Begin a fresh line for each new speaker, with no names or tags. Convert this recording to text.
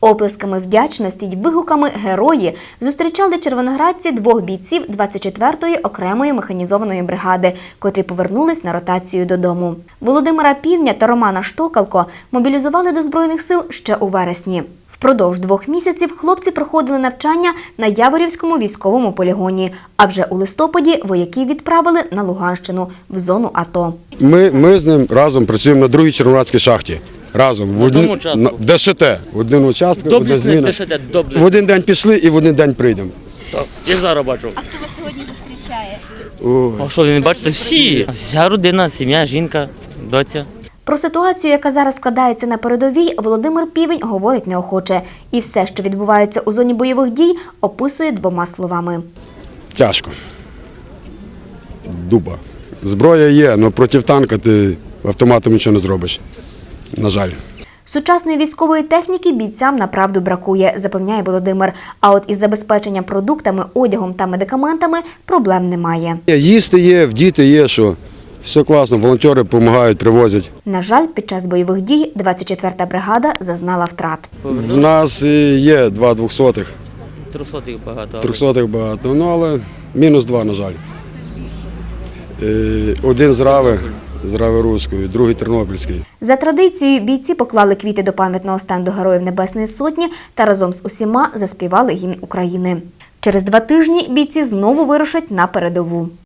Оплесками вдячності й вигуками «Герої» зустрічали червоноградці двох бійців 24-ї окремої механізованої бригади, котрі повернулись на ротацію додому. Володимира Півня та Романа Штокалко мобілізували до Збройних сил ще у вересні. Впродовж 2 місяців хлопці проходили навчання на Яворівському військовому полігоні, а вже у листопаді вояків відправили на Луганщину, в зону АТО.
Ми з ним разом працюємо на другій червоноградській шахті. Разом, в ДШТ, в один участок, одна зміна. В один день пішли і в один день прийдемо.
Так, я зараз бачу.
А хто вас сьогодні зустрічає?
А що, ви не бачите? Всі. Вся родина, сім'я, жінка, доця.
Про ситуацію, яка зараз складається на передовій, Володимир Півень говорить неохоче. І все, що відбувається у зоні бойових дій, описує 2 словами.
Тяжко. Дуба. Зброя є, але проти танка ти автоматом нічого не зробиш. На жаль.
Сучасної військової техніки бійцям направду бракує, запевняє Володимир. А от із забезпеченням продуктами, одягом та медикаментами проблем немає.
Їсти є, вдіти є, що все класно, волонтери допомагають, привозять.
На жаль, під час бойових дій 24-та бригада зазнала втрат.
В нас є 2 200-х.
300-х багато.
300-х багато, але мінус 2, на жаль. Один з Рави Руської, другий Тернопільський.
За традицією, бійці поклали квіти до пам'ятного стенду Героїв Небесної Сотні та разом з усіма заспівали гімн України. Через 2 тижні бійці знову вирушать на передову.